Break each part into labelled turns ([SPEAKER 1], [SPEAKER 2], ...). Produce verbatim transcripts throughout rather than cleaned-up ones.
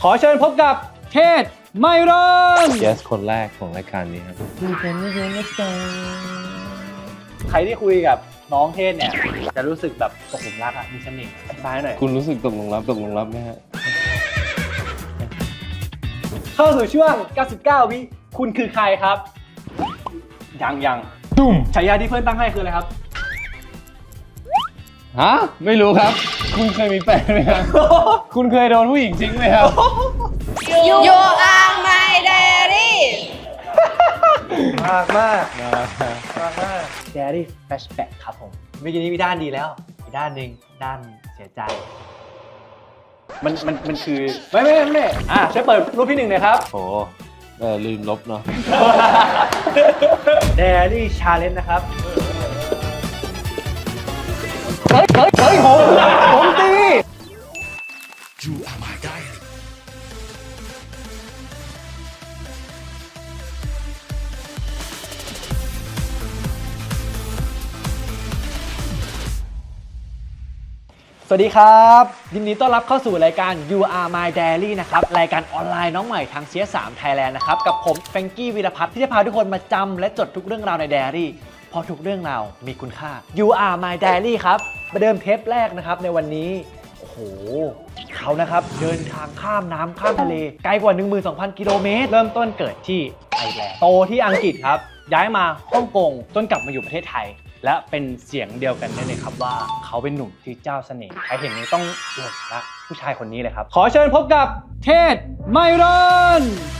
[SPEAKER 1] อเชิญพบกับเทศไมรอน
[SPEAKER 2] Yes คนแรกของรายการนี้ครับ
[SPEAKER 1] ใครที่คุยกับน้องเทศเนี่ยจะรู้สึกแบบตกหลุมรักอ่ะมีเสน่ห์อธิบายหน่อย
[SPEAKER 2] คุณรู้สึกตกลงรับตกลงรับไหมฮะ
[SPEAKER 1] เข้าสู่ช่วงเก้าสิบเก้าวิคุณคือใครครับยังยัง
[SPEAKER 2] ตุ้ม
[SPEAKER 1] ฉายาที่เพื่อนตั้งให้คืออะไรครับ
[SPEAKER 2] ฮะไม่รู้ครับ คุณเคยมีแฟนไหมครับ คุณเคยโดนผู้หญิงทิ้งไหมครับ
[SPEAKER 3] You are my diary
[SPEAKER 1] มากมากมากมากแดรี่แฟชแบ็กครับผมเมื่อกี้นี้มีด้านดีแล้วอีกด้านหนึ่งด้านเสียใจมันมันมันคือไม่ไม่ไม่ไม่อ่ะช่วยเปิดรูปที่หนึ่งหน่อยครับ
[SPEAKER 2] โหเออลืมลบเนาะ
[SPEAKER 1] แดรี่ชาเลนจ์นะครับเฮ้ยเฮ้ยเฮ้ยผมผมตี
[SPEAKER 4] You are my diary.
[SPEAKER 1] สวัสดีครับยินดีต้อนรับเข้าสู่รายการ You Are My Diary นะครับรายการออนไลน์น้องใหม่ทาง ซี เอส สาม Thailand นะครับกับผมแฟรงกี้วีรพัฒน์ที่จะพาทุกคนมาจำและจดทุกเรื่องราวในไดอารี่เพราะทุกเรื่องราวมีคุณค่า You Are My Diary ครับมาเดิมเทปแรกนะครับในวันนี้โอ้โหเขานะครับเดินทางข้ามน้ำข้ามทะเลไกลกว่า หนึ่งหมื่นสองพัน กิโลเมตรเริ่มต้นเกิดที่ไอร์แลนด์โตที่อังกฤษครับย้ายมาฮ่องกงจนกลับมาอยู่ประเทศไทยและเป็นเสียงเดียวกันได้เลยครับว่าเขาเป็นหนุ่มที่เจ้าเสน่ห์ใครเห็นนี้ต้องหลงรักผู้ชายคนนี้เลยครับขอเชิญพบกับเทศไมรอน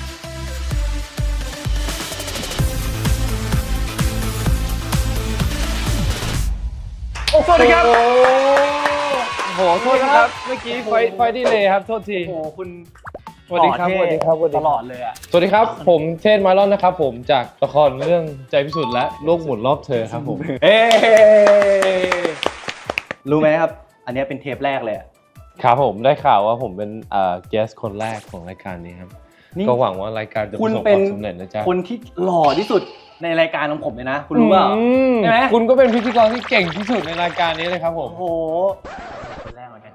[SPEAKER 1] โอ้สวัสดีครับ
[SPEAKER 2] โอ้โหโทษนะครับเมื่อกี้ไฟไฟดีเลยครับโทษที
[SPEAKER 1] โอ้โหคุณ
[SPEAKER 2] สวัสดีครับสวัสดีครับสวัสดี
[SPEAKER 1] ต
[SPEAKER 2] ครับ
[SPEAKER 1] ลอดเลยอ่ะ
[SPEAKER 2] สวัสดีครับผมเทศไมลอนนะครับผมจากละครเรื่องใจพิสุทธิ์และโลกหมุนรอบเธอครับผม
[SPEAKER 1] เอ๊รู้ไหมครับอันนี้เป็นเทปแรกเลยอะ
[SPEAKER 2] ครับผมได้ข่าวว่าผมเป็นเอ่อ guest คนแรกของรายการนี้ครับ
[SPEAKER 1] นี่
[SPEAKER 2] ก็หวังว่ารายการจะประ
[SPEAKER 1] คุณ
[SPEAKER 2] สบค
[SPEAKER 1] เป็น
[SPEAKER 2] วามสำเร็จนะจ๊ะ
[SPEAKER 1] คนที่หล่อที่สุดในรายการของผมเลยนะ คุณรู้เปล่า
[SPEAKER 2] อืม
[SPEAKER 1] ใช่ไหม
[SPEAKER 2] คุณก็เป็นพิธีกรที่เก่งที่สุดในรายการนี้เลยครับผม
[SPEAKER 1] โอ้โหคนแรกเหมือนกัน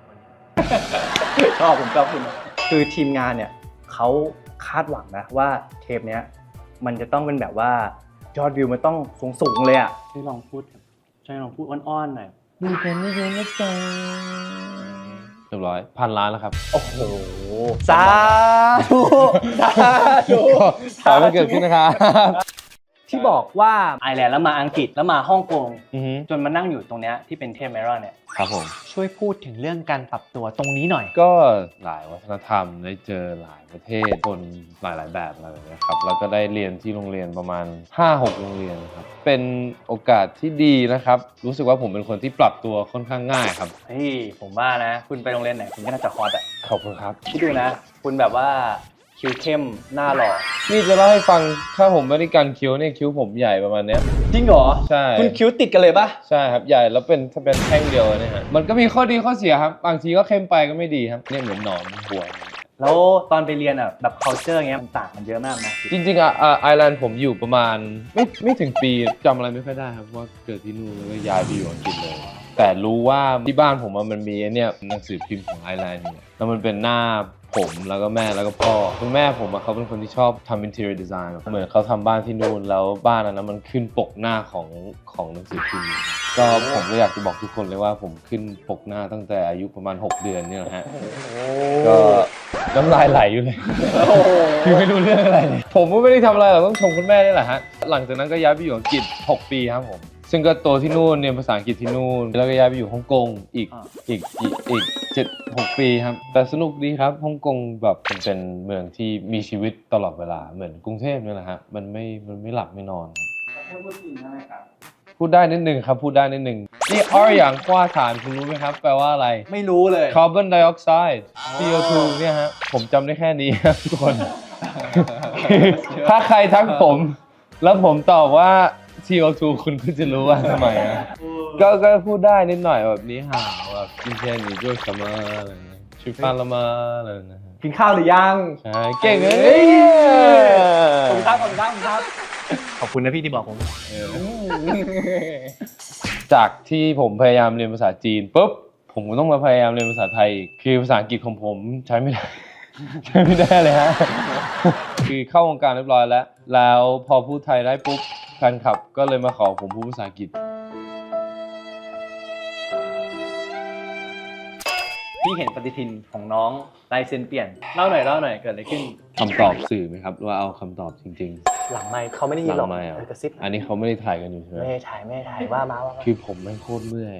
[SPEAKER 1] ชอบผมชอบคุณคือทีมงานเนี่ยเขาคาดหวังนะว่าเทปเนี้ยมันจะต้องเป็นแบบว่ายอดวิวมันต้องสูงสูงๆเลยอ่ะช่วยลองพูดช่วยลองพูดอ้อนๆหน่อยดูกันไม่เยอะนะจ๊ะ
[SPEAKER 2] เรียบร้อยพันล้านแล้วครับ
[SPEAKER 1] โอ้โหสาธุสาธุ
[SPEAKER 2] ขอให้มันเกิดขึ้นนะครับ
[SPEAKER 1] ที่บอกว่าไอร์แลนด์แล้วมาอังกฤษแล้วมาฮ่องกง
[SPEAKER 2] อือฮึ
[SPEAKER 1] จนมานั่งอยู่ตรงเนี้ยที่เป็นเทพไมรอนเนี่ย
[SPEAKER 2] ครับผม
[SPEAKER 1] ช่วยพูดถึงเรื่องการปรับตัวตรงนี้หน่อย
[SPEAKER 2] ก็หลายวัฒนธรรมได้เจอหลายประเทศคนหลายๆแบบอะไรแบบนี้ครับแล้วก็ได้เรียนที่โรงเรียนประมาณ ห้าหก โรงเรียนครับเป็นโอกาสที่ดีนะครับรู้สึกว่าผมเป็นคนที่ปรับตัวค่อนข้างง่ายครับ
[SPEAKER 1] เฮ้ยผมว่านะ คุณไปโรงเรียนไหนคุณก็น่าจะฮอตอ่ะ
[SPEAKER 2] ขอบคุณครับ
[SPEAKER 1] คิดดูนะ คุณแบบว่าคิ้วเข้มหน้าหล่อ
[SPEAKER 2] นี่จะเล่าให้ฟังถ้าผมไม่ได้กันคิ้วเนี่ยคิ้วผมใหญ่ประมาณเนี้ย
[SPEAKER 1] จริงเหรอ
[SPEAKER 2] ใช่
[SPEAKER 1] คุณคิ้วติดกันเลยปะ
[SPEAKER 2] ใช่ครับใหญ่แล้วเป็นถ้าเป็นแท่งเดียวเนี่ยฮะมันก็มีข้อดีข้อเสียครับบางทีก็เข้มไปก็ไม่ดีครับเนี่ยเหมือนหนอนบัว
[SPEAKER 1] แล้วตอนไปเรียนอ่ะแบบ culture เงี้ยมันต่างกันเยอะมากนะ
[SPEAKER 2] จริงๆอ่ะอ่ะไอร์แลนด์ผมอยู่ประมาณไม่ไม่ถึงปีจำอะไรไม่ค่อยได้ครับว่าเกิดที่นู่นแล้วก็ย้ายไปอยู่อังกฤษเลย แต่รู้ว่าที่บ้านผมมันมีเนี่ยหนังสือพิมพ์ของไอร์แลนด์เนี่ยแล้วมันเป็นหน้าผมแล้วก็แม่แล้วก็พ่อคุณแม่ผมอะเขาเป็นคนที่ชอบทำ interior design เหมือนเขาทำบ้านที่นู่นแล้วบ้านอันนั้นมันขึ้นปกหน้าของของหนังสือพิมพ์ก็ผมก็อยากจะบอกทุกคนเลยว่าผมขึ้นปกหน้าตั้งแต่อายุประมาณหกเดือนเนี่ยแหละฮะก็น้ำลายไหลอยู่เลย คือไม่รู้เรื่องอะไรเลยผมก็ไม่ได้ทำอะไรหรอกต้องชมคุณแม่นี่แหละฮะหลังจากนั้นก็ย้ายไปอยู่อังกฤษหกปีครับผมซึ่งก็โตที่นู่นเรียนภาษาอังกฤษที่นู่นแล้วก็ย้ายไปอยู่ฮ่องกงอีกอีกอีกอีกเจ็ดหกปีครับแต่สนุกดีครับฮ่องกงแบบมันเป็นเมืองที่มีชีวิตตลอดเวลาเหมือนกรุงเทพนี่แหละฮะมันไม่มันไม่หลับไม่นอนพูดได้นิดนึงครับพูดได้นิดนึงนี่ R อย่างกว้าฐานคุณรู้ไหมครับแปลว่าอะไร
[SPEAKER 1] ไม่รู้เลย
[SPEAKER 2] คาร์บอนไดออกไซด์ ซี โอ ทู เนี่ยฮะผมจำได้แค่นี้ครับทุกคน ถ้าใครทักผม แล้วผมตอบว่า ซี โอ ทู คุณก็จะรู้ว่าทำไมนะก็ก็พูดได้นิดหน่อยแบบนี้ห่าแบบกินเชนหรือด้วยสมาอะไรเงี้ยชิฟานละมาอะไรนะฮะ
[SPEAKER 1] กินข้าวหรือยัง
[SPEAKER 2] ใช่เก่งเลย
[SPEAKER 1] ขอบคุณครับขอบคุณครับขอบคุณครับขอบคุณนะพี่ที่บอกผม
[SPEAKER 2] เออจากที่ผมพยายามเรียนภาษาจีนปุ๊บผมก็ต้องมาพยายามเรียนภาษาไทยอีกคือภาษาอังกฤษของผมใช้ไม่ได้ใช่ไม่ได้เลยฮะ คือเข้าวงการเรียบร้อยแล้ว แล้วพอพูดไทยได้ปุ๊บแฟนคลับก็เลยมาขอผมพูดภาษาอังกฤษ
[SPEAKER 1] พี่เห็นปฏิทินของน้องลายเซ็นเปลี่ยนเล่าหน่อยเล่าหน่อยเกิดอะไรขึ้น
[SPEAKER 2] คำตอบสื่อไหมครับว่าเอาคำตอบจริง
[SPEAKER 1] หลังไมค์เขาไม่ได้
[SPEAKER 2] ๆ
[SPEAKER 1] ยินหรอก
[SPEAKER 2] งไม่เอา
[SPEAKER 1] เออกระซิบ
[SPEAKER 2] อันนี้เขาไม่ได้ถ่ายกันอยู่ใช่ไหม
[SPEAKER 1] ไม่ได้ถ่ายไม่ได้ถ่ายว่ามาว่ามา
[SPEAKER 2] คือผมแม่งโคตรเมื่อย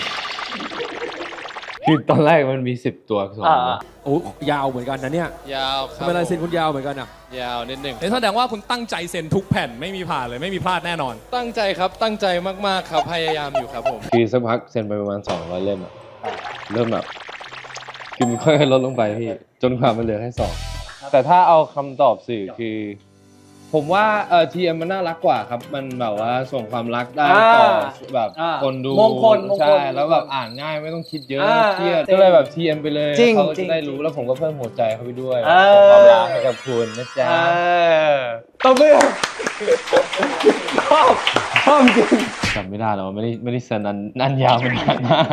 [SPEAKER 2] คือตอนแรกมันมีสิบตัวอักษร
[SPEAKER 1] อ่า
[SPEAKER 2] นะ
[SPEAKER 5] โอ้ยาวเหมือนกันนะเนี่ย
[SPEAKER 6] ยาวค
[SPEAKER 5] ทำ
[SPEAKER 6] รับ
[SPEAKER 5] ไมลายเซ็นคุณยาวเหมือนกันอ่ะ
[SPEAKER 6] ยาวนิดหนึ่ง
[SPEAKER 7] เอ้ยแสดงว่าคุณตั้งใจเซ็นทุกแผ่นไม่มีผ่านเลยไม่มีพลาดแน่นอน
[SPEAKER 6] ตั้งใจครับตั้งใจมากๆครับพยายามอยู่ครับผม
[SPEAKER 2] คือสักพักเซ็นไปประมาณสองร้อยเล่มอะเริ่มแบบคือมันค่อยๆลดลงไปพี่ จนความมันเหลือแค่สองแต่ถ้าเอาคำตอบสื่อคือ ผมว่าเออทีเอ็มมันน่ารักกว่าครับ มันแบบว่าส่งความรักได้ต่อแบบ
[SPEAKER 1] อ่า
[SPEAKER 2] คนดู
[SPEAKER 1] มงคลมงคล
[SPEAKER 2] ใช่แล้วแบบอ่านง่ายไม่ต้องคิดเยอะ
[SPEAKER 1] อ่า
[SPEAKER 2] เครียด
[SPEAKER 1] อ่า
[SPEAKER 2] ก็เลยแบบทีเอ็มไปเลย
[SPEAKER 1] จริง
[SPEAKER 2] เขาก็
[SPEAKER 1] จริ
[SPEAKER 2] จะ
[SPEAKER 1] ง
[SPEAKER 2] ได้รู้แล้วผมก็เพิ่มหัวใจเข้าไปด้วย
[SPEAKER 1] เออ
[SPEAKER 2] ส่งความรักให้กับคุณนะจ๊ะ
[SPEAKER 1] เออตบมือชอบชอบจริง
[SPEAKER 2] จำไม่ได้แล้วไม่ได้ไม่ได้เซ็นอันอันยาวมันนานมาก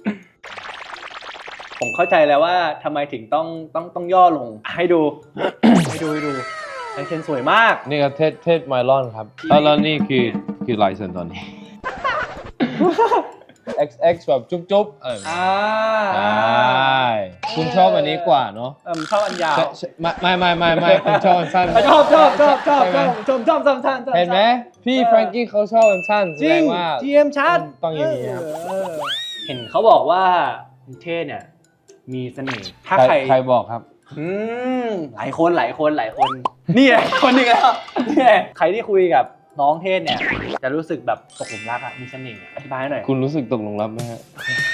[SPEAKER 1] ผมเข้าใจแล้วว่าทำไมถึงต้องต้องต้องย่อลงให้ดู ให้ดูให้ดูลายเซ็นสวยมาก
[SPEAKER 2] นี่ก็เทสเทสไมลอนครับแล้วแล้วนี่คือคือลายเซ็นตอนนี้ เอ็กซ์ เอ็กซ์ แบบจุ๊บๆเออ
[SPEAKER 1] อ่า
[SPEAKER 2] ใช่คุณชอบอันนี้กว่าเนาะ
[SPEAKER 1] เออชอบอันยาว
[SPEAKER 2] ใช่ใช่ไม่ไม่ไม่ไม่ไม่คุณชอบอันสั้น
[SPEAKER 1] ชอบชอบชอบชอบ
[SPEAKER 2] ใช่ไหม
[SPEAKER 1] ชอบชอบชอบชอบชอบ
[SPEAKER 2] เห็นไหมพี่แฟรงกี้เขาชอบอันสั้นแส
[SPEAKER 1] จริ
[SPEAKER 2] ด
[SPEAKER 1] ง
[SPEAKER 2] งว่า
[SPEAKER 1] ทีเอ็มชัด
[SPEAKER 2] ต้องอย่างนี้ครับ
[SPEAKER 1] เออเห็นเขาบอกว่าคุณเท่เนี่ยมีเสน่ห์ถ้า
[SPEAKER 2] ใคร
[SPEAKER 1] ใคร
[SPEAKER 2] ใครบอกครับ
[SPEAKER 1] อืมหลายคนหลายคนหลายคน นี่ไงคนหนึ่งแล้วนี่ไงใครที่คุยกับน้องเทศเนี่ย จะรู้สึกแบบตกหลุมรักอะมีเสน่ห์อะอธิบายให้หน่อย
[SPEAKER 2] คุณรู้สึกตกหลุมรักไหมฮะ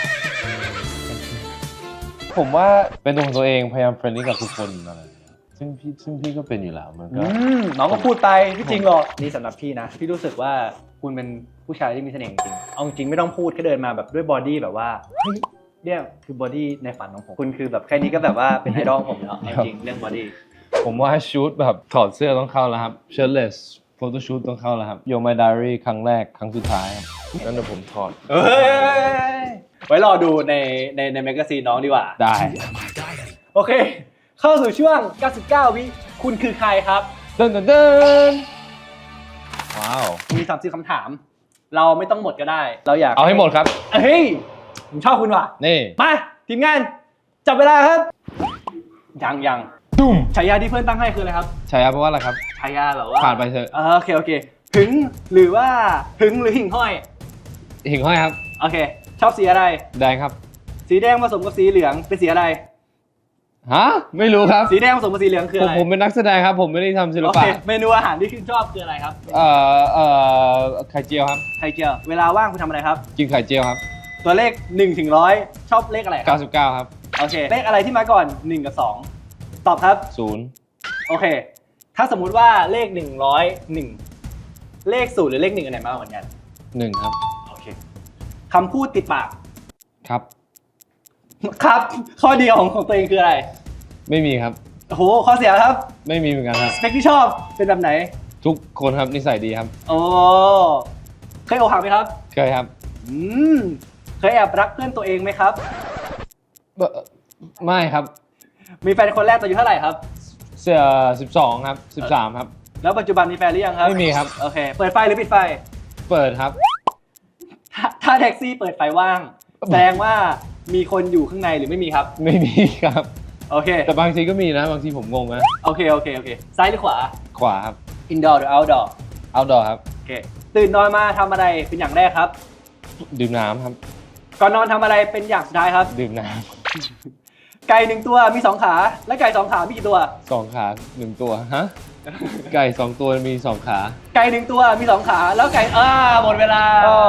[SPEAKER 2] ผมว่าเป็นตัวของตัวเองพยายามเฟรนลี่กับทุกคนอะไรอย่างเงี้ยซึ่งพี่ซึ่งพี่ก็เป็นอยู่แล้วมันก็
[SPEAKER 1] อืมน้องก็พูดไปพี่จริงหรอกนี่สำหรับพี่นะ พี่รู้สึกว่าคุณเป็นผู้ชายที่มีเสน่ห์จริงๆเอาจริงไม่ต้องพูดแค่เดินมาแบบด้วยบอดี้แบบว่าเฮ้ยเนี่ยคือบอดี้ในฝันของผมคุณคือแบบแค่นี้ก็แบบว่าเป็นไอดอลผมแล้วเอาจริงเรื่องบอดี้
[SPEAKER 2] ผมว่าชูตแบบถอดเสื้อต้องเข้าแล้วครับเชิ้ตเลสโฟโต้ชูตต้องเข้าแล้วครับโยมายไดอารี่ครั้งแรกครั้งสุดท้ายครับนั่นเดี๋ยวผมถอด
[SPEAKER 1] เอ้ยไว้รอดูในในในแมกกาซีนน้องดีกว่า
[SPEAKER 2] ได้
[SPEAKER 1] โอเค เข้าสู่ช่วง เก้าสิบเก้า วิ คุณคือใครครับ
[SPEAKER 2] เดินเดินเดินว้าว
[SPEAKER 1] มีสามสิบคำถาม เราไม่ต้องหมดก็ได้ เราอยาก
[SPEAKER 2] เอาให้หมดครับ
[SPEAKER 1] เฮ้ย ผมชอบคุณว่ะ
[SPEAKER 2] นี่
[SPEAKER 1] มาทีมงาน จับเวลาครับ ยังยัง
[SPEAKER 2] ตุ้ม
[SPEAKER 1] ฉายาที่เพื่อนตั้งให้คืออะไรครับ
[SPEAKER 2] ใช่ครับเพราะว่าอะไรครับ
[SPEAKER 1] ฉายาแบบว่า
[SPEAKER 2] ผ่านไปเถอะ
[SPEAKER 1] เออโอเค โอเค ถึงหรือว่าถึงหรือหิ่งห้อย
[SPEAKER 2] หิ่งห้อยครับ
[SPEAKER 1] โอเค ชอบสีอะไร
[SPEAKER 2] แดงครับ
[SPEAKER 1] สีแดงผสมกับสีเหลือง เป็นสีอะไร
[SPEAKER 2] ฮะไม่รู้ครับ
[SPEAKER 1] สีแดงผสมกับสีเหลืองคือ
[SPEAKER 2] ผม
[SPEAKER 1] อะไร
[SPEAKER 2] ผมเป็นนักแสดงครับ ผมไม่ได้ทำศิล
[SPEAKER 1] โอ
[SPEAKER 2] ปะ
[SPEAKER 1] เค เมนูอาหารที่คุณชอบคืออะไรครับ
[SPEAKER 2] เอ่อเอ่อไข่เจียวครับ
[SPEAKER 1] ไข่เจียว เวลาว่างคุณทำอะไรครับ
[SPEAKER 2] กินไข่เจียวครับ
[SPEAKER 1] ตัวเลขหนึ่งถึงร้อยชอบเลขอะไรครับ
[SPEAKER 2] เก้าสิบเก้าครับ
[SPEAKER 1] โอเค เลขอะไรที่มาก่อนหนึ่งกับสองตอบครับ
[SPEAKER 2] ศูนย์
[SPEAKER 1] โอเค ถ้าสมมุติว่าเลขหนึ่งร้อยหนึ่งเลขศูนย์หรือเลขหนึ่งอันไหนมากกว่ากัน
[SPEAKER 2] หนึ่งครับ
[SPEAKER 1] โอเคคำพูดติดปาก
[SPEAKER 2] ครับ
[SPEAKER 1] ครับ ข้อเดียวของของตัวเองคืออะไร
[SPEAKER 2] ไม่มีครับ
[SPEAKER 1] โอ้โห ข้อเสียครับ
[SPEAKER 2] ไม่มีเหมือนกันครับ
[SPEAKER 1] สเปคที่ชอบเป็นแบบไหน
[SPEAKER 2] ทุกคนครับนิสัยดีครับ
[SPEAKER 1] โอ้เคยอกหักไหมครับ
[SPEAKER 2] เคยครับ
[SPEAKER 1] อืมเคยแอบรักเพื่อนตัวเองไหมครับ
[SPEAKER 2] เอ่อไม่ครับ
[SPEAKER 1] มีแฟนคนแรกตอนอายุเท่าไหร่ครับ
[SPEAKER 2] เสื้อสิบสองครับสิบสามครับ
[SPEAKER 1] แล้วปัจจุบันมีแฟนหรือยังครับ
[SPEAKER 2] ไม่มีครับ
[SPEAKER 1] โอเค เปิดไฟหรือปิดไฟ
[SPEAKER 2] เปิดครับ
[SPEAKER 1] ถ้าถ้าแท็กซี่เปิดไฟว่าง แสดงว่ามีคนอยู่ข้างในหรือไม่มีครับ
[SPEAKER 2] ไม่มีครับ
[SPEAKER 1] โอเค
[SPEAKER 2] แต่บางทีก็มีนะ บางทีผมงงนะ
[SPEAKER 1] โอเค โอเค โอเค ซ้ายหรือขวา
[SPEAKER 2] ขวาครับ
[SPEAKER 1] indoor หรือ outdoor
[SPEAKER 2] outdoor ครับ
[SPEAKER 1] โอเค ตื่นนอนมาทำอะไรเป็นอย่างแรกครับ
[SPEAKER 2] ดื่มน้ำครับ
[SPEAKER 1] ก่อนนอนทำอะไรเป็นอย่างสุดท้ายครับ
[SPEAKER 2] ดื่มน้
[SPEAKER 1] ไก่หนึ่งตัวมีสองขา และไก่สองขา มีกี่ตัว
[SPEAKER 2] ำสองขาหนึ่งตัว ฮะ ไก่สองตัวมีสองขา
[SPEAKER 1] ไก่หนึ่งตัวมีสองขา แล้วไก่อ่าหมดเวลา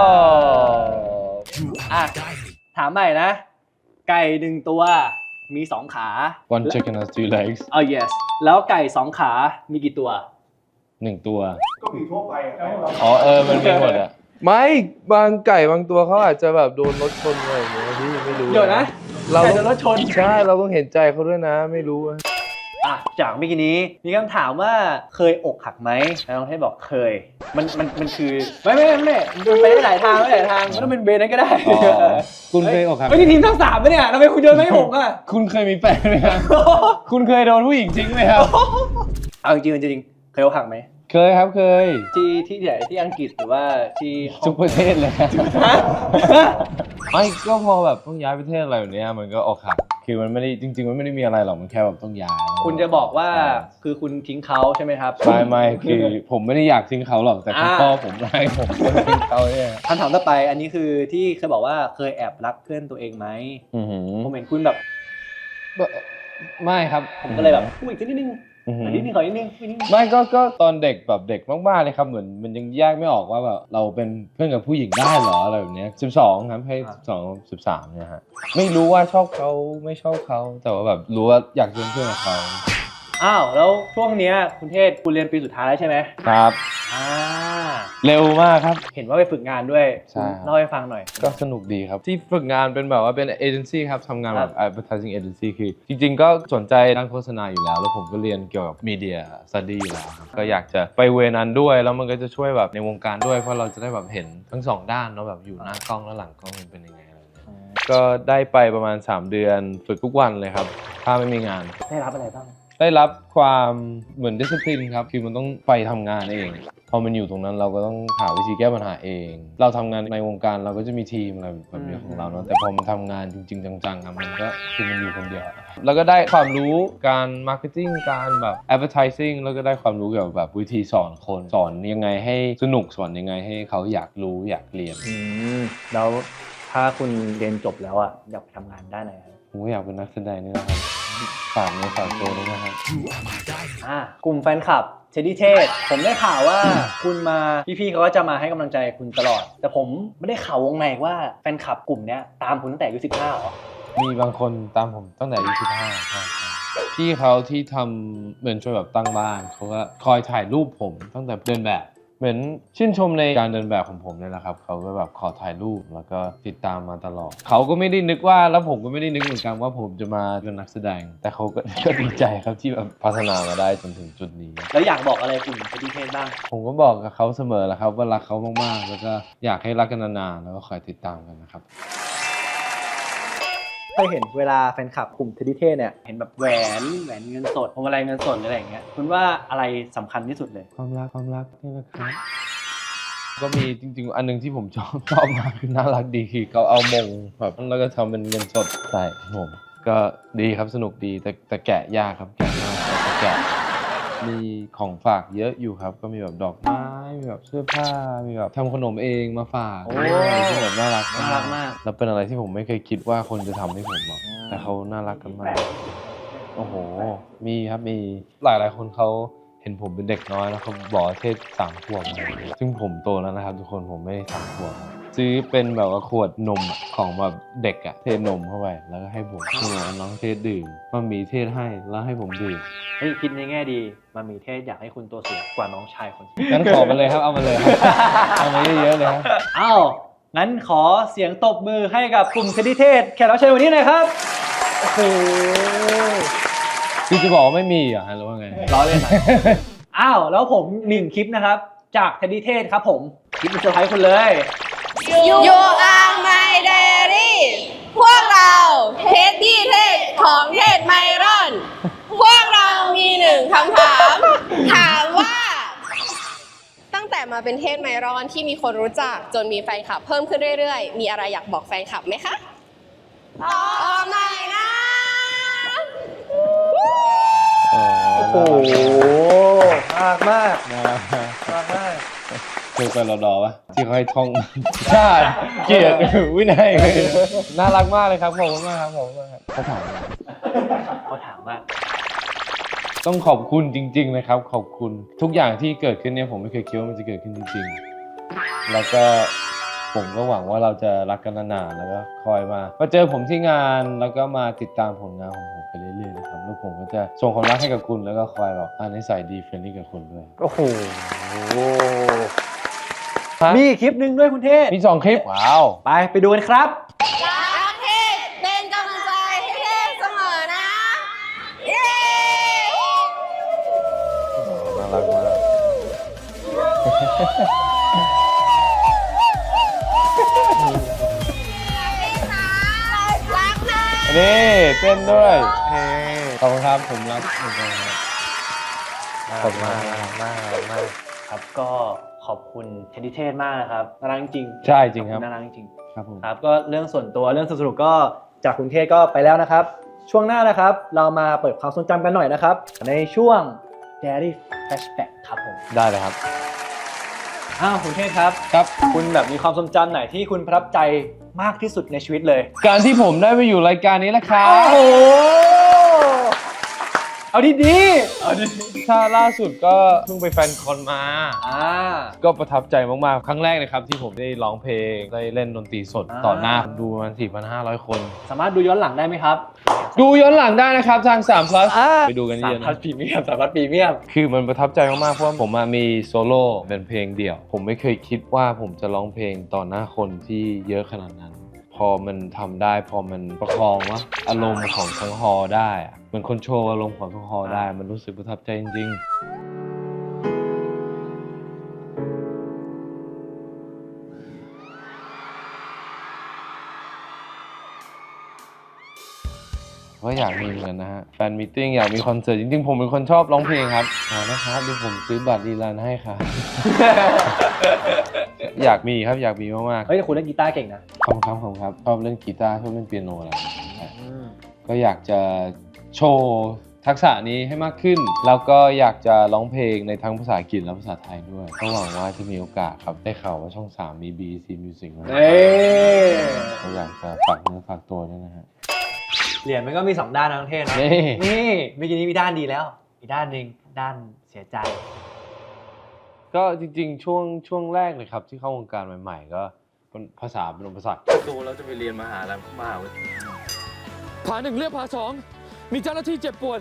[SPEAKER 1] อ่ะ ถามใหม่นะ ไก่หนึ่งตัวมีสองขา
[SPEAKER 2] one chicken has two legs
[SPEAKER 1] อ๋อ yes แล้วไก่สองขา มีกี่ตัว
[SPEAKER 2] หนึ่งตัว ก็มีทั่วไปอ๋อเออ มันมีหมดอะ
[SPEAKER 8] ไม่บางไก่บางตัวเขาอาจจะแบบโดนรถชนอะไรอย่างเงี้ยพี่ไม่รู้
[SPEAKER 1] เดี๋ยวนะ
[SPEAKER 8] เรา
[SPEAKER 1] ไก่
[SPEAKER 8] ต้
[SPEAKER 1] โด
[SPEAKER 8] อง
[SPEAKER 1] นรถชน
[SPEAKER 8] ใช่เราต้องเห็นใจเขาด้วยนะไม่รู้อะ
[SPEAKER 1] อ่ะจากเมื่อกี้นี้มีคำถามว่าเคยอกหักไหมน้องเทศบอกเคยมันมันมันคือไม่ไม่ไม่ไม่มันไปได้หลายทางไม่หลายทางไม่ต้องเป็นเบนนั้นก็ได้
[SPEAKER 2] อ๋อคุณเคยอกหัก
[SPEAKER 1] ไม่ใช่ทีมทั้งสามปะเนี่ยทำไมคุณโยนไม่ให้ผมอ่ะ
[SPEAKER 2] คุณเคยมีแฟนไหมครับ คุณเคยโดนผู้หญิงทิ้งไหมครับ
[SPEAKER 1] เอาจริงๆจริงๆเคยอกหักไหม
[SPEAKER 2] เคยครับเคย
[SPEAKER 1] ที่ที่ไหนที่อังกฤษหรือว่าที่ฮ่อง
[SPEAKER 2] ทุกประเทศเลยครับ
[SPEAKER 1] ฮะ
[SPEAKER 2] ไม่ก็พอแบบต้องย้ายประเทศอะไรแบบเนี้ยมันก็อกหักคือมันไม่ได้จริงๆมันไม่ได้มีอะไรหรอกมันแค่แบบต้องย้าย
[SPEAKER 1] คุณจะบอกว่าคือคุณทิ้งเขาใช่ไหมครับ
[SPEAKER 2] ไม่ไม่คือผมไม่ได้อยากทิ้งเขาหรอกแต่คุณ
[SPEAKER 1] อ่า
[SPEAKER 2] พ่อผมไล่ผมทิ้งเขาเนี่ย
[SPEAKER 1] คำถามต่อไปอันนี้คือที่เคยบอกว่าเคยแอบรักเพื่อนตัวเองไหม
[SPEAKER 2] อื้อหือ
[SPEAKER 1] ผมเห็นคุณแบบ
[SPEAKER 2] ไม่ครับ
[SPEAKER 1] ผมก็เลยแบบพูดอีกนิดนึง
[SPEAKER 2] อื้อหื
[SPEAKER 1] ข
[SPEAKER 2] อ
[SPEAKER 1] อนิดนึงขอนิดนึงขอนิดนึง
[SPEAKER 2] ไม่ก็ก็ตอนเด็กแบบเด็กมากๆเลยครับเหมือนมันยังแยกไม่ออกว่าแบบเราเป็นเพื่อนกับผู้หญิงได้เหรออะไรแบบเนี้ยสิบสองครับให้สิบสองสิบสามเนี่ยฮะไม่รู้ว่าชอบเขาไม่ชอบเขาแต่ว่าแบบรู้ว่าอยากเป็นเพื่อนกับเขา
[SPEAKER 1] อ้าวแล้วช่วงเนี้ยคุณเทศคุณเรียนปีสุดท้ายแล้วใช่ไหม
[SPEAKER 2] ครับ
[SPEAKER 1] อ่า
[SPEAKER 2] เร็วมากครับ
[SPEAKER 1] เห็นว่าไปฝึกงานด้วย
[SPEAKER 2] ใช่
[SPEAKER 1] เล่าให้ฟังหน่อย
[SPEAKER 2] ก็สนุกดีครับ ที่ฝึกงานเป็นแบบว่าเป็นเอเจนซี่ครับทำงานแบบ advertising agency คือ จริงๆ ก็สนใจด้านโฆษณาอยู่แล้ว แล้วผมก็เรียนเกี่ยวกับ media study อยู่แล้วครับก็อยากจะไปเวนั้นด้วย แล้วมันก็จะช่วยแบบในวงการด้วยเพราะเราจะได้แบบเห็นทั้งสองด้านเนาะแบบอยู่หน้ากล้องและหลังกล้องมันเป็นยังไงอะไรเงี้ยก็ได้ไปประมาณสามเดือนฝึกทุกวันเลยครับถ้าไม่มีงาน
[SPEAKER 1] ได้รับอะไรบ้าง
[SPEAKER 2] ได้รับความเหมือน discipline ครับคือมันต้องไปทำงานเองพอมันอยู่ตรงนั้นเราก็ต้องหาวิธีแก้ปัญหาเอง เราทำงานในวงการเราก็จะมีทีมอะไรแบบนี้ของเราเนาะแต่พอมันทำงานจริงๆจังๆอะมันก็คือมันอยู่คนเดียวแล้วก็ได้ความรู้การ marketing การแบบ advertising แล้วก็ได้ความรู้เกี่ยวกับแบบวิธีสอนคนสอนยังไงให้สนุกสอนยังไงให้เขาอยากรู้อยากเรียน
[SPEAKER 1] อืมแล้วถ้าคุณเรียนจบแล้วอ่ะอยากไปทำงานด้านไหนครับ
[SPEAKER 2] ผมก็อยากเป็นนักแสดงนี่นะครับฝากในฝากตัวด้วยนะครับ
[SPEAKER 4] You are my diamond
[SPEAKER 1] อ่ากลุ่มแฟนคลับเชดดี้เทศผมได้ข่าวว่า คุณมาพี่ๆเขาก็จะมาให้กำลังใจคุณตลอด แต่ผมไม่ได้ข่าววงในว่าแฟนคลับกลุ่มเนี้ยตามคุณตั้งแต่อายุสิบห้าหรอ
[SPEAKER 2] มีบางคนตามผมตั้งแต่อายุสิบห้าใช่ครับพี่เขาที่ทำเหมือนช่วยแบบตั้งบ้านเขาก็คอยถ่ายรูปผมตั้งแต่เดินแบบเหมือนชื่นชมในการเดินแบบของผมเนี่ยแหละครับเขาก็แบบขอถ่ายรูปแล้วก็ติดตามมาตลอดเขาก็ไม่ได้นึกว่าแล้วผมก็ไม่ได้นึกเหมือนกันว่าผมจะมาเป็นนักแสดง แต่เขาก็ ก็ดีใจครับที่แบบพัฒนามาได้จนถึงจุดนี้
[SPEAKER 1] แล้วอยากบอกอะไรกลุ่มเชดดี้เทศบ้าง
[SPEAKER 2] ผมก็บอกกับเขาเสมอแหละครับว่ารักเขามากๆแล้วก็อยากให้รักกันนานๆแล้วก็คอยติดตามกันนะครับ
[SPEAKER 1] เคยเห็นเวลาแฟนคลับกลุ่มเชดดี้เทศเนี่ยเห็นแบบแหวนแหวนเงินสดพวงมาลัยเงินสดหรืออะไรอย่างเงี้ยคุณว่าอะไรสำคัญที่สุดเลย
[SPEAKER 2] ความรักความรักนี่แหละครับก็มีจริงๆอันนึงที่ผมชอบชอบมากคือน่ารักดีคือเขาเอามงแบบแล้วก็ทำเป็นเงินสดใส่ผมก็ดีครับสนุกดีแต่แต่แกะยากครับแกะยากแต่แกะมีของฝากเยอะอยู่ครับก็มีแบบดอกไม้มีแบบเสื้อผ้ามีแบบทำขนมเองมาฝาก
[SPEAKER 1] โอ้
[SPEAKER 2] อะไรที่แบบน่ารัก
[SPEAKER 1] น่ารักมาก
[SPEAKER 2] แล้วเป็นอะไรที่ผมไม่เคยคิดว่าคนจะทำให้ผมหรอกแต่เขาน่ารักกันมากโอ้โหมีครับมีหลายหลายๆคนเขาเห็นผมเป็นเด็กน้อยแล้วเขาบอกว่าเทศสามขวบซึ่งผมโตแล้วนะครับทุกคนผมไม่ได้สามขวบซื้อเป็นแบบว่าขวดนมอะของแบบเด็กอะเทนมเข้าไปแล้วก็ให้ผมคือว่าน้องเทศดื่มมันมีเทศให้แล้วให้ผมดื่ม
[SPEAKER 1] เฮ้ยคิดในแง่ดีมันมีเทศอยากให้คุณตัวสูงกว่าน้องชายคน
[SPEAKER 2] งั้นขอมาเลยครับเอามาเลยครับเอามาเยอะๆเลยครับ
[SPEAKER 1] อ้าวงั้นขอเสียงตบมือให้กับกลุ่มเชดดี้เทศแขกรับเชิญวันนี้หน่อยครับโอ้โห
[SPEAKER 2] คือจะบอกว่าไม่มีเหรอฮะหรือว่าไง
[SPEAKER 1] ล้อเล่นนะ อ้าวแล้วผมหนึ่งคลิปนะครับจากเชดดี้เทศครับผมคลิปเป็นเซอร์ไพรส์คุณเลย
[SPEAKER 3] You are my diary พวกเราเทสที่เทศของเทศไมรอน พวกเรามีหนึ่งคำถาม ถามว่า ตั้งแต่มาเป็นเทศไมรอนที่มีคนรู้จักจนมีแฟนคลับเพิ่มขึ้นเรื่อยๆ มีอะไรอยากบอกแฟนคลับไหมคะตอบหน่อยนะ
[SPEAKER 1] โอ้โหมากมาก
[SPEAKER 2] น่ารักมาก
[SPEAKER 1] มากมาก
[SPEAKER 2] เคยไปรอดอปะที่เขาให้ท่องชาติเกียรติวินัยน่ารักมากเลยครับขอบคุณมากครับขอบคุณมากครับเขาถามมา
[SPEAKER 1] เขาถามว่า
[SPEAKER 2] ต้องขอบคุณจริงๆนะครับขอบคุณทุกอย่างที่เกิดขึ้นเนี่ยผมไม่เคยคิดว่ามันจะเกิดขึ้นจริงๆแล้วก็ผมก็หวังว่าเราจะรักกันนานๆแล้วก็คอยมามาเจอผมที่งานแล้วก็มาติดตามผลงานของผมไปเรื่อยๆนะครับแล้วผมก็จะส่งความรักให้กับคุณแล้วก็คอยแบบอ่านิสัยดีเฟรนลี่กับคุณด้วย
[SPEAKER 1] โอ้โหมีอีกคลิปหนึ่งด้วยคุณเทศ
[SPEAKER 2] มีสองคลิปว้าว
[SPEAKER 1] ไปไปดูกันครับ
[SPEAKER 3] รักเทศเป็นกำลังใจให้เทศเสมอนะ เย้
[SPEAKER 2] รักมาก
[SPEAKER 3] รักนะ
[SPEAKER 2] นี่เต้นด้วยขอบคุณครับผมรักเหมือนกันครับ ขอบคุณมาก
[SPEAKER 1] มากมากครับก็ขอบคุณเทดดี้เทสมากนะครับน่ารักจริง
[SPEAKER 2] ใช่จริงครับ
[SPEAKER 1] น่ารักจริง
[SPEAKER 2] ครับผม
[SPEAKER 1] ครับก็เรื่องส่วนตัวเรื่องสนุกก็จากคุณเทศก็ไปแล้วนะครับ ช่วงหน้านะครับเรามาเปิดความทรงจำกันหน่อยนะครับ ในช่วง Diary Flashback ครับผม
[SPEAKER 2] ได้เลยครับ
[SPEAKER 1] อ้าวคุณเทศครับ
[SPEAKER 2] ครับ
[SPEAKER 1] คุณแบบมีความทรงจำไหนที่คุณประทับใจมากที่สุดในชีวิตเลย
[SPEAKER 2] การที่ผมได้ไปอยู่รายการนี้แหละครับ
[SPEAKER 1] โอ้โหเอาดีๆเอาดี
[SPEAKER 2] ถ้าล่าสุดก็เพิ่งไปแฟนคอนมา
[SPEAKER 1] อ่า
[SPEAKER 2] ก็ประทับใจมากๆ ครั้งแรกเลยครับที่ผมได้ร้องเพลงได้เล่นดนตรีสด
[SPEAKER 1] อ่า
[SPEAKER 2] ต่อหน้าคนดูประมาณ สี่พันห้าร้อย คน
[SPEAKER 1] สามารถดูย้อนหลังได้ไหมครับ
[SPEAKER 2] ดูย้อนหลังได้นะครับทางสาม plus ไปดูกันเย
[SPEAKER 1] สาม
[SPEAKER 2] อะ
[SPEAKER 1] พัน
[SPEAKER 2] นะ
[SPEAKER 1] พรีเมียมสามพันพรีเมียม
[SPEAKER 2] คือมันประทับใจมากๆ เพราะว่าผมมามีโซโล่เป็นเพลงเดี่ยว ผมไม่เคยคิดว่าผมจะร้องเพลงต่อหน้าคนที่เยอะขนาดนั้น พอมันทำได้พอมันประคองว่าอารมณ์ของทั้งฮอลล์ได้อะเหมือนคนโชว์อารมณ์ของทั้งฮอลล์ได้ มันรู้สึกประทับใจจริงๆก็อยากมีเหมือนกันนะฮะแฟนมิทติ้งอยากมีคอนเสิร์ตจริงๆ ผมเป็นคนชอบร้องเพลงครับอ๋อนะครับดูผมซื้อบัตรดีลันให้ครับ อยากมีครับอยากมีมากๆ
[SPEAKER 1] เฮ้ยแต่คุณเล่นกีตาร์เก่งนะ
[SPEAKER 2] ขอบคุณครับขอบคุณครับชอบเล่นกีตาร์ชอบเล่นเปียโนอะไรอย่างเงี้ยก็อยากจะโชว์ทักษะนี้ให้มากขึ้น แล้วก็อยากจะร้องเพลงในทั้งภาษาอังกฤษและภาษาไทยด้วยก็หวังว่าจะมีโอกาสครับได้ข่าวว่าช่องสามมี บี ซี Music มา
[SPEAKER 1] เอ้ย
[SPEAKER 2] ก็อยากจะฝากเนื้อฝากตัวด้วยนะฮะ
[SPEAKER 1] เหรียญมันก็มีสองด้านนะทั้งเทศนะ
[SPEAKER 2] นี่
[SPEAKER 1] นี่เมื่อกี้นี้มีด้านดีแล้ว อีกด้านหนึ่งด้านเสียใจ
[SPEAKER 2] ก็จริงๆช่วงช่วงแรกเลยครับที่เข้าวงการใหม่ๆ ก็เป็นภาษาเป็นภาษาโตแล้วจะไปเรียนมหาลัยมหาวิทยาลัย
[SPEAKER 5] ผ่าหนึ่งเรียกผ่าสองมีเจ้าหน้าที่เจ็บปวด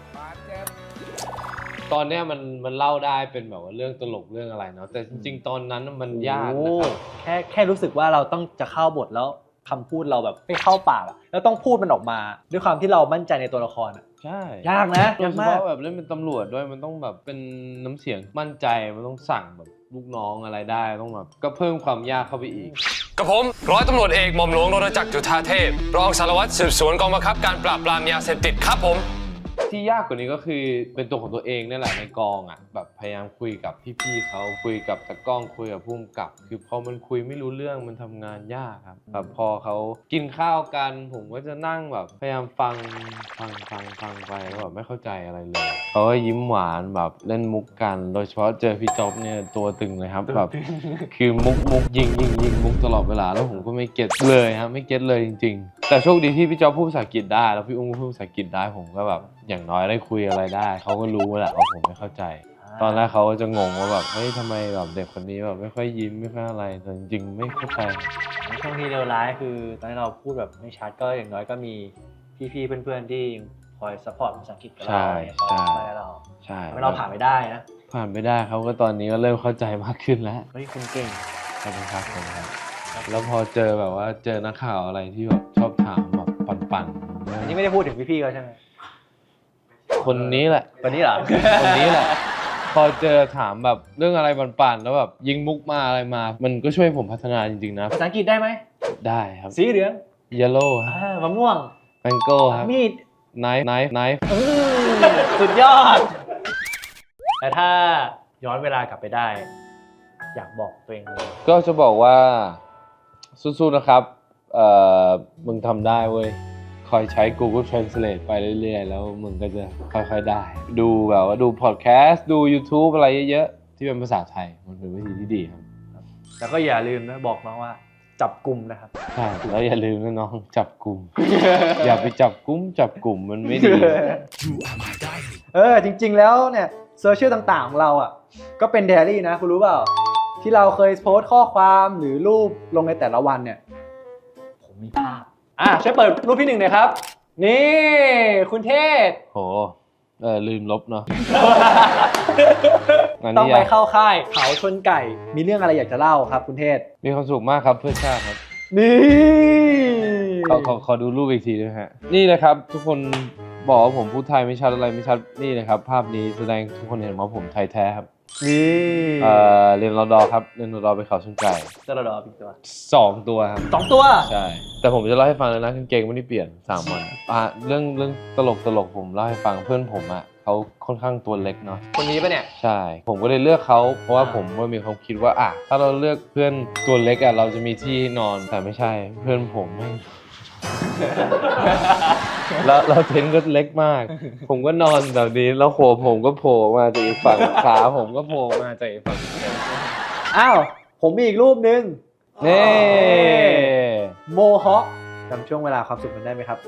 [SPEAKER 2] ตอนเนี้ยมันมันเล่าได้เป็นแบบว่าเรื่องตลกเรื่องอะไรเนาะแต่จริงๆ ตอนนั้นมันยากนะครับ
[SPEAKER 1] แค่แค่รู้สึกว่าเราต้องจะเข้าบทแล้วคำพูดเราแบบไม่เข้าปากอะแล้วต้องพูดมันออกมา ด้วยความที่เรามั่นใจในตัวละครอะ
[SPEAKER 2] ใช่
[SPEAKER 1] ยากนะ
[SPEAKER 2] โดย
[SPEAKER 1] ยาก
[SPEAKER 2] เฉ
[SPEAKER 1] มาก
[SPEAKER 2] พาะแบบเล่นเป็นตำรวจด้วยมันต้องแบบเป็นน้ำเสียงมั่นใจมันต้องสั่งแบบลูกน้องอะไรได้ต้องแบบก็เพิ่มความยากเข้าไปอีก
[SPEAKER 9] กับผมร้อยตำรวจเอกหม่อมหลวงรณจักรจุฑาเทพรองสารวัตรสืบสวนกองบังคับการปราบปรามยาเสพติดครับผม
[SPEAKER 2] ที่ยากกว่านี้ก็คือเป็นตัวของตัวเองนี่แหละในกองอ่ะแบบพยายามคุยกับพี่ๆเขาคุยกับตากล้องคุยกับผู้กำกับ คือพอมันคุยไม่รู้เรื่องมันทำงานยากครับแบบพอเขากินข้าวกันผมก็จะนั่งแบบพยายามฟังฟังฟังฟังไปแล้วแบบไม่เข้าใจอะไรเลยเขาก็ยิ้มหวานแบบเล่นมุกกันโดยเฉพาะเจอพี่จ๊อบเนี่ยตัวตึงเลยครับแบบคือมุกมุกยิงยิงยิงมุกตลอดเวลาแล้วผมก็ไม่เก็ตเลยครับไม่เก็ตเลยจริงๆแต่โชคดีที่พี่จ๊อบพูดภาษาอังกฤษได้แล้วพี่อุ้งก็พูดภาษาอังกฤษได้ผมก็แบบอย่างน้อยได้คุยอะไรได้เขาก็รู้แหละว่าผมไม่เข้าใจ ตอนแรกเขาก็จะงงว่าแบบเฮ้ยทำไมแบบเด็กคนนี้แบบไม่ค่อยยิ้มไม่ค่อยอะไรแต่จริงๆไม่เข้าใจ
[SPEAKER 1] ช่วงที่เลวร้ายคือตอนที่เราพูดแบบไม่ชัดก็อย่างน้อยก็มีพี่ๆเพื่อนๆที่คอยซัพพอร์ตภาษาอังกฤษกับเรา
[SPEAKER 2] ใช่
[SPEAKER 1] คอย
[SPEAKER 2] ใช่
[SPEAKER 1] ช่วยเรา
[SPEAKER 2] ใช่
[SPEAKER 1] ทำให้เราผ่านไปได้นะ
[SPEAKER 2] ผ่านไม่ได้เขาก็ตอนนี้ก็เริ่มเข้าใจมากขึ้นแล้ว
[SPEAKER 1] เฮ้ยคุณเก่ง
[SPEAKER 2] ขอบคุณครับผมครับแล้วพอเจอแบบว่าเจอนักข่าวอะไรที่แบบชอบถามแบบปั่นๆ
[SPEAKER 1] อันนี้ไม่ได้พูดถึงพี่ๆเขาใช่ไหม
[SPEAKER 2] คนนี้แหละ
[SPEAKER 1] คนนี้เหรอ
[SPEAKER 2] คนนี้แหละ พอเจอถามแบบเรื่องอะไรปั่นๆแล้วแบบยิงมุกมาอะไรมา มันก็ช่วยผมพัฒนาจริงๆนะ
[SPEAKER 1] ภาษาอังกฤษได้ไหม
[SPEAKER 2] ได้ครับ
[SPEAKER 1] สีเหลือง
[SPEAKER 2] yellow ครับ
[SPEAKER 1] อ่ามะม่วง
[SPEAKER 2] mango ครับ
[SPEAKER 1] มีด
[SPEAKER 2] knife knife knife
[SPEAKER 1] อื้อสุดยอด แต่ถ้าย้อนเวลากลับไปได้ อยากบอกตัวเองเลย
[SPEAKER 2] ก็จะบอกว่าสู้ๆนะครับเอ่อมึงทำได้เว้ยคอยใช้ Google Translate ไปเรื่อยๆแล้วมึงก็จะค่อยๆได้ ดูแบบว่าดูพอดแคสต์ดู YouTube อะไรเยอะๆที่เป็นภาษาไทยมันเป็นวิธีที่ดีครับ
[SPEAKER 1] แล้วก็อย่าลืมนะบอกน้องว่าจับกลุ่มนะครับ
[SPEAKER 2] ใช่แล้วอย่าลืมนะน้องจับกลุ่ม อย่าไปจับกุ้มจับกลุ่มมันไม่ดี
[SPEAKER 4] You are my diary
[SPEAKER 1] เออจริงๆแล้วเนี่ยโซเชียลต่างๆของเราอ่ะก็เป็นไดอารี่นะคุณรู้เปล่า ที่เราเคยโพสต์ข้อความหรือรูปลงในแต่ละวันเนี่ยผมมีภาพอ่ะช่วยเปิดรูปที่หนึ่งหน่อยครับ นี่คุณเทศ
[SPEAKER 2] โหเออลืมลบเนาะ อัน
[SPEAKER 1] ต้อง
[SPEAKER 2] นี้
[SPEAKER 1] ไป
[SPEAKER 2] อะ
[SPEAKER 1] เข้าค่ายเขาชนไก่มีเรื่องอะไรอยากจะเล่าครับคุณเทศ
[SPEAKER 2] มีความสุขมากครับเพื่อชาติครับ
[SPEAKER 1] นี่
[SPEAKER 2] ขอขอขอดูรูปอีกทีด้วยฮะนี่เลยครับทุกคนบอกว่าผมพูดไทยไม่ชัดอะไรไม่ชัดนี่นะครับภาพนี้แสดงทุกคนเห็นว่าผมไทยแท้ครับ
[SPEAKER 1] นี่
[SPEAKER 2] เอ่อเรียนรอดอครับเรียนรอดอไปเขาชนไก่
[SPEAKER 1] จะรอดอพี่ตัว
[SPEAKER 2] สองตัวครับ
[SPEAKER 1] สองตัว
[SPEAKER 2] ใช่แต่ผมจะเล่าให้ฟังเลยนะกางเกงไม่ได้เปลี่ยนสามวันอ่ะเรื่องเรื่องตลกตลกผมเล่าให้ฟังเพื่อนผมอ่ะเขาค่อนข้างตัวเล็กเนาะ
[SPEAKER 1] คนนี้ปะเนี่ย
[SPEAKER 2] ใช่ ผมก็เลยเลือกเขาเพราะว่าผมก็มีความคิดว่าอ่ะถ้าเราเลือกเพื่อนตัวเล็กอ่ะเราจะมีที่นอนแต่ไม่ใช่เพื่อนผมไม่ แล้วเราเทนก็เล็กมาก ผมก็นอนแบบนี้แล้วหัวผมก็โผล่มาจากอีกฝั่งขาผมก็โผล่มาจากอีกฝั่ง
[SPEAKER 1] อ้าว ผมมีอีกรูปหนึง
[SPEAKER 2] นี่
[SPEAKER 1] โมฮอคจำช่วงเวลาความสุขมันได้ไหมครับ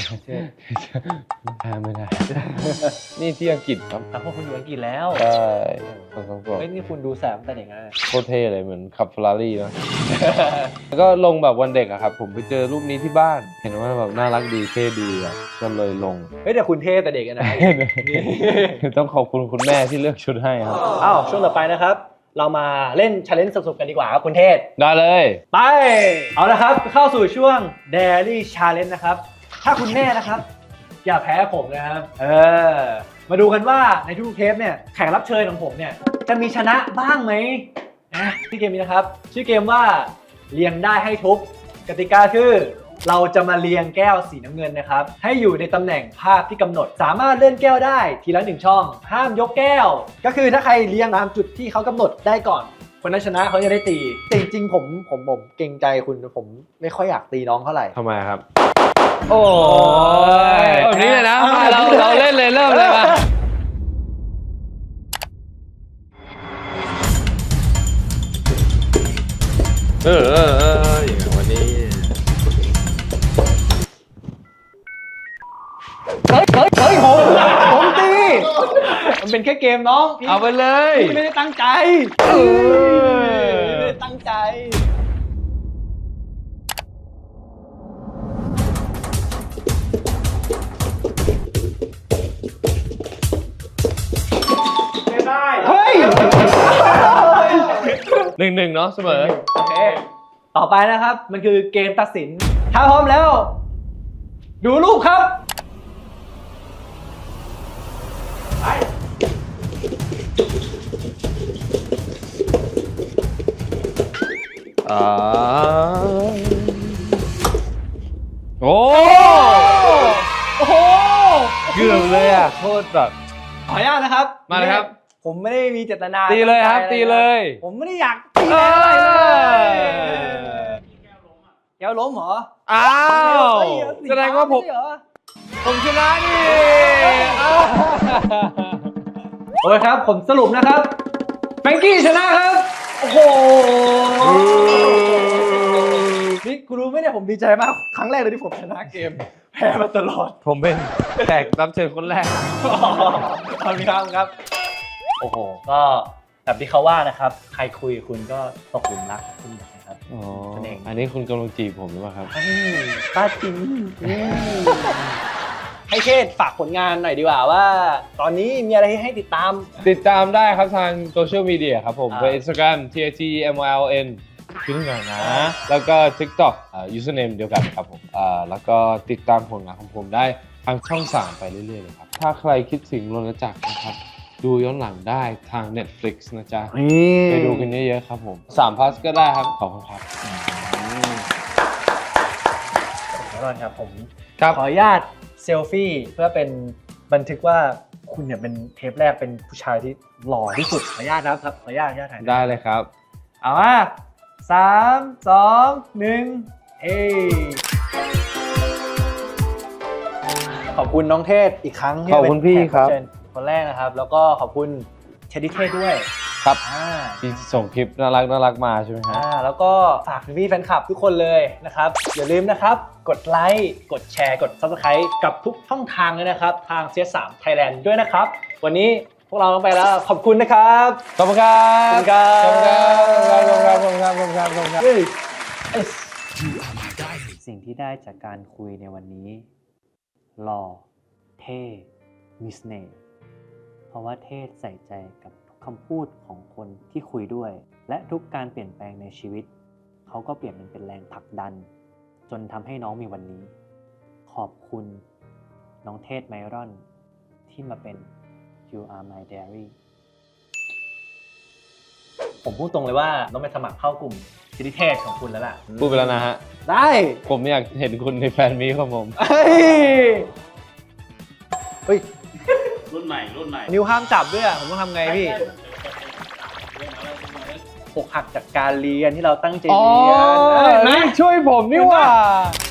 [SPEAKER 2] แพ้ไม่ได้ นี่ที่อังกฤษครับ
[SPEAKER 1] แต่พวกคุณอยู่อังกฤษแล้ว
[SPEAKER 2] ใช่สองสองสอง
[SPEAKER 1] เฮ้ยนี่คุณดูแสบตั้งแต่เด็กนะ
[SPEAKER 2] โคตรเท่เลยเหมือนขับเฟอร์รารี่นะ แล้วก็ลงแบบวันเด็กอะครับ ผมไปเจอรูปนี้ที่บ้าน เห็นว่าแบบน่ารักดีเท่ดีอะก็เลยลง
[SPEAKER 1] เฮ้ยแต่คุณเท่แต่เด็กอะนะ
[SPEAKER 2] ต้องขอบคุณคุณแม่ที่เลือกชุดให้ครับ
[SPEAKER 1] อ้าวช่วงต่อไปนะครับ เรามาเล่น challenge สนุกๆกันดีกว่าครับคุณเทศ
[SPEAKER 2] ได้เลย
[SPEAKER 1] ไป เอาละครับ เข้าสู่ช่วง Daily Challenge นะครับ ถ้าคุณแน่นะครับ อย่าแพ้ผมนะครับ เออ มาดูกันว่าในทุกเทปเนี่ยแขกรับเชิญของผมเนี่ยจะมีชนะบ้างไหมนะที่เกมนี้นะครับ ชื่อเกมว่าเรียงได้ให้ทุบกติกาคือ เราจะมาเรียงแก้วสีน้ำเงินนะครับให้อยู่ในตำแหน่งภาพที่กำหนด สามารถเลื่อนแก้วได้ทีละหนึ่งช่อง ห้ามยกแก้ว ก็คือถ้าใครเรียงตามจุดที่เขากำหนดได้ก่อน คนนั้นชนะเขาจะได้ตีแต่จริงๆผมผมผมเกรงใจคุณผมไม่ค่อยอยากตีน้องเท่าไหร่
[SPEAKER 2] ทำไมครับ โอ้ยแบบนี้เลยนะมาเราเราเล่นเลยเริ่มเลยมาเออเออเอออย่างวันนี้
[SPEAKER 1] เฮ้ยเฮ้ยเฮ้ยผมผมตี มันเป็นแค่เกมน้องพี่
[SPEAKER 2] เอาไปเลย
[SPEAKER 1] พี่ไม่ได้ตั้งใจไม่ได้ตั้งใจไม่ได้เฮ้ย
[SPEAKER 2] หนึ่งหนึ่งเนาะเสมอ
[SPEAKER 1] โอเคต่อไปนะครับมันคือเกมตัดสินถ้าพร้อมแล้ว ดูรูปครับ
[SPEAKER 2] อ่าโอ้
[SPEAKER 1] โอ้โห
[SPEAKER 2] เกือบเลยอ่ะโคตรแบบ
[SPEAKER 1] ขออนุญาตนะครับ
[SPEAKER 2] มาเลยครับ
[SPEAKER 1] ผมไม่ได้มีเจตนา
[SPEAKER 2] ตีเลยครับ
[SPEAKER 1] ตั้งใจ
[SPEAKER 2] ตีเลย
[SPEAKER 1] ผมไม่ได้อยากตีอะไรเลยแก้วล้มเหรอ
[SPEAKER 2] อ้าว
[SPEAKER 1] เฮ้ยสี
[SPEAKER 2] แสดงว่าผม
[SPEAKER 1] ไใช่เหรอ
[SPEAKER 2] ผมชนะนี่
[SPEAKER 1] โอเคครับผมสรุปนะครับแฟรงกี้ชนะครับโอ้โหนี่กูรู้ไหมเนี่ยผมดีใจมากครั้งแรกเลยที่ผมชนะเกมแพ้มาตลอด
[SPEAKER 2] ผมเป็นแขกรับเชิญคนแรก
[SPEAKER 1] ขอบคุณครับครับ โอ้โห ก็แบบที่เขาว่านะครับ ใครคุยกับคุณก็ตกหลุมรักคุณนะครับ
[SPEAKER 2] อ๋อ
[SPEAKER 1] นั่นเอง
[SPEAKER 2] อันนี้คุณกำลังจีบผมหรือเปล่าครับ
[SPEAKER 1] ป้าจริงให้เชษฝากผลงานหน่อยดีกว่าว่า ตอนนี้มีอะไรให้ติดตาม
[SPEAKER 2] ติดตามได้ครับทางโซเชียลมีเดียครับผม
[SPEAKER 1] อ่า
[SPEAKER 2] เป็น Instagram ที ที เอ็ม แอล เอ็น ชื่อหน่อยนะ แล้วก็ TikTok อ่า username เดียวกันครับผมอ่าแล้วก็ติดตามผลงานของผมได้ทางช่องสามไปเรื่อยๆเลยครับ ถ้าใครคิดถึงรณจักรนะครับ ดูย้อนหลังได้ทาง Netflix นะจ๊ะ ไปดูกันเยอะๆครับผมสามพาสก็ได้ครับ ขอบคุณครับ
[SPEAKER 1] แน่นอนครับผม
[SPEAKER 2] ครับ
[SPEAKER 1] ขออนุญาตเซลฟี่เพื่อเป็นบันทึกว่าคุณเนี่ยเป็นเทปแรกเป็นผู้ชายที่หล่อที่สุดขออนุญาตนะครับขออนุญาตขออนุญาตถ่าย
[SPEAKER 2] ได้เลยครับ
[SPEAKER 1] เอามาสามสองหนึ่งเอ้ยขอบคุณน้องเทศอีกครั้งที่
[SPEAKER 2] ขอบคุณ
[SPEAKER 1] เป็น
[SPEAKER 2] พี่
[SPEAKER 1] แขก
[SPEAKER 2] ครับ
[SPEAKER 1] เชิญคนแรกนะครับ แล้วก็ขอบคุณเชดดี้เทศด้วย
[SPEAKER 2] ครับ
[SPEAKER 1] อ่า
[SPEAKER 2] ที่ส่งคลิปน่ารักน่ารักมาใช่ไหมครับ
[SPEAKER 1] อ่าแล้วก็ฝากพี่ๆแฟนคลับทุกคนเลยนะครับ อย่าลืมนะครับ กดไลค์กดแชร์กด ซับสไครบ์ กับทุกช่องทางเลยนะครับ ทาง ซี เอส สาม Thailand ด้วยนะครับ วันนี้พวกเราต้องไปแล้วขอบคุณนะครับ
[SPEAKER 2] ขอบคุณครับ
[SPEAKER 1] ขอบคุณครับ
[SPEAKER 2] ขอบคุณครับขอบคุณครับขอบคุณครับขอบคุณครับ
[SPEAKER 1] เฮ้ย
[SPEAKER 4] You are my diary
[SPEAKER 1] สิ่งที่ได้จากการคุยในวันนี้หล่อเท่มีเสน่ห์เพราะว่าเทศใส่ใจกับทุกคำพูดของคนที่คุยด้วย และทุกการเปลี่ยนแปลงในชีวิต เขาก็เปลี่ยนมันเป็นแรงผลักดัน จนทำให้น้องมีวันนี้ ขอบคุณน้องเทศไมรอนที่มาเป็น You Are My Diary ผมพูดตรงเลยว่าต้องไปสมัครเข้ากลุ่มซินิเทศของคุณแล้วล่ะ
[SPEAKER 2] พูดไปแล้วนะฮะ
[SPEAKER 1] ได้
[SPEAKER 2] ผมอยากเห็นคุณในแฟนมีตของผม
[SPEAKER 1] เฮ้ยเฮ้ย
[SPEAKER 10] รุ่นใหม่รุ่นใหม่
[SPEAKER 1] นิ้วห้ามจับด้วยอะผมต้องทำไงพี่อกหักจากการเรียนที่เราตั้งใจ
[SPEAKER 2] อ๋อ
[SPEAKER 1] เรียนเอ้ยเห็นไหม
[SPEAKER 2] นี่ช่วยผมนี่หว่า
[SPEAKER 1] เห็นปะ